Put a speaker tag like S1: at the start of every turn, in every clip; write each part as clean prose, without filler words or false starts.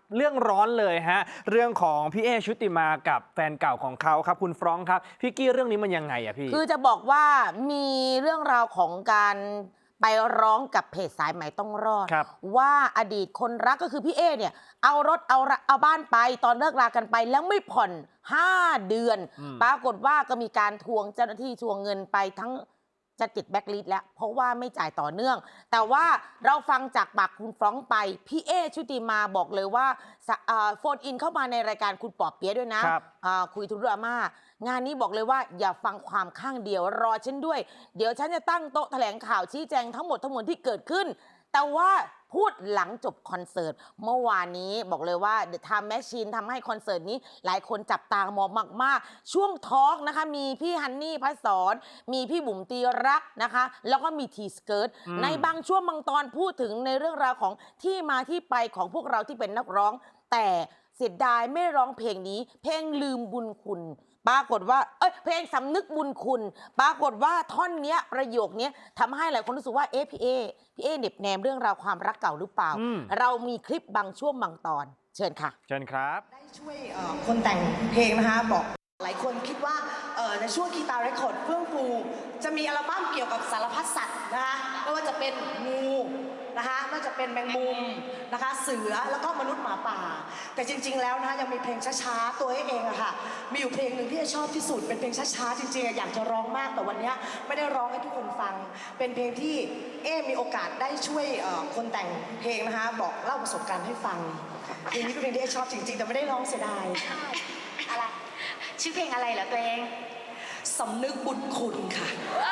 S1: เรื่องร้อนเลยฮะเรื่องของพี่เอชุติมากับแฟนเก่าของเขาครับคุณฟรองก์ครับพี่กี้เรื่องนี้มันยังไงอะพี่
S2: คือจะบอกว่ามีเรื่องราวของการไปร้องกับเพจสายใหม่ต้องรอดว่าอดีตคนรักก็คือพี่เอเนี่ยเอารถเอาบ้านไปตอนเลิกรากันไปแล้วไม่ผ่อน5 เดือนปรากฏว่าก็มีการทวงเจ้าหน้าที่ทวงเงินไปทั้งจะติดแบ็คลิสต์แล้วเพราะว่าไม่จ่ายต่อเนื่อง แต่ว่าเราฟังจากปากคุณฟรองก์ไปพี่เอชุติมาบอกเลยว่าโฟนอินเข้ามาในรายการคุณปอเปี๊ยะด้วยนะคุยทุกเรื่องมางานนี้บอกเลยว่าอย่าฟังความข้างเดียวรอฉันด้วยเดี๋ยวฉันจะตั้งโต๊ะแถลงข่าวชี้แจงทั้งหมดที่เกิดขึ้นแต่ว่าพูดหลังจบคอนเสิร์ตเมื่อวานนี้บอกเลยว่า The Time Machine ทำให้คอนเสิร์ตนี้หลายคนจับตามองมากๆช่วงทอล์กนะคะมีพี่ฮันนี่พัสรมีพี่บุ๋มตีรักนะคะแล้วก็มีทีสเกิร์ตในบางช่วงบางตอนพูดถึงในเรื่องราวของที่มาที่ไปของพวกเราที่เป็นนักร้องแต่เสียดายไม่ร้องเพลงนี้เพลงลืมบุญคุณปรากฏว่าเพลงสำนึกบุญคุณปรากฏว่าท่อนเนี้ยประโยคนี้ทำให้หลายคนรู้สึกว่าพี่เอเหน็บแนมเรื่องราวความรักเก่าหรือเปล่าเรามีคลิปบางช่วงบางตอนเชิญค่ะ
S1: เชิญครับ
S3: ได้ช่วยคนแต่งเพลงนะคะบอกหลายคนคิดว่าในช่วงคีตาเรคคอร์ดเฟื่องฟูจะมีอัลบั้มเกี่ยวกับสารพัดสัตว์นะคะไม่ว่าจะเป็นงูนะคะไม่ว่าจะเป็นแมงมุมนะคะเสือแล้วก็มนุษย์หมาป่าแต่จริงๆแล้วนะคะยังมีเพลงช้าๆตัวเองอะค่ะมีอยู่เพลงหนึ่งที่ชอบที่สุดเป็นเพลงช้าๆจริงๆอยากจะร้องมากแต่วันนี้ไม่ได้ร้องให้ทุกคนฟังเป็นเพลงที่มีโอกาสได้ช่วยคนแต่งเพลงนะคะบอกเล่าประสบการณ์ให้ฟังเพลงนี้เป็นเพลงที่ชอบจริงๆแต่ไม่ได้ร้องเสียดาย
S4: อะไรชื่อเพลงอะไรเหรอตัวเอง
S3: สำนึกบุญคุณค่ะ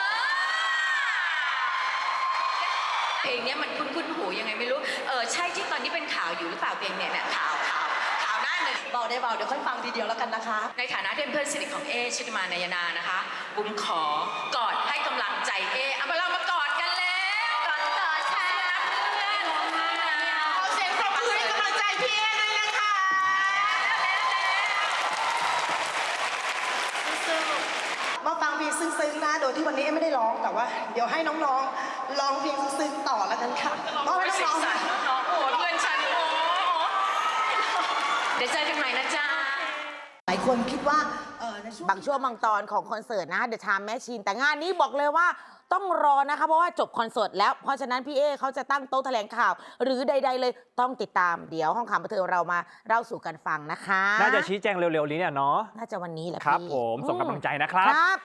S4: เพลงนี้มันคุ้นหูยังไงไม่รู้ใช่ที่ตอนนี้เป็นข่าวอยู่หรือเปล่าเพลงเนี่ยข่าวหน้าหนึ่ง
S3: เบาได้เบาเดี๋ยวค่อยฟังทีเดียวแล้วกันนะคะ
S4: ในฐานะที่เป็นเพื่อนสนิทของชุติมานายนานะคะบุ๋มขอกอดให้กำลังใจเอาเรามากอดกันแล้วกอดค่ะเพื่อน
S3: ขอเสียงปรบมือให้กำลังใจพี่ด้วยนะคะมาฟังเพลงซึ้งๆนะโดยที่วันนี้ไม่ได้ร้องแต่ว่าเดี๋ยวให้น้องๆร้องเพลงซึ้งๆต่อแล้วกันค่ะ
S4: เพราะให้น้องๆโอ้เพื่อนฉันโอ้เดี๋ยวเจอกันใหม่นะจ๊ะ
S3: หลายคนคิดว่า
S2: บางช่วงบางตอนของคอนเสิร์ตนะ The Time Machine แต่งานนี้บอกเลยว่าต้องรอนะคะเพราะว่าจบคอนเสิร์ตแล้วเพราะฉะนั้นพี่เอเขาจะตั้งโต๊ะแถลงข่าวหรือใดๆเลยต้องติดตามเดี๋ยวห้องข่าวบันเทิงเรามาเล่าสู่กันฟังนะคะ
S1: น่าจะชี้แจงเร็วๆนี้เนี่ยเนาะ
S2: น่าจะวันนี้แหละ
S1: ครับผมส่งกำลังใจนะครับ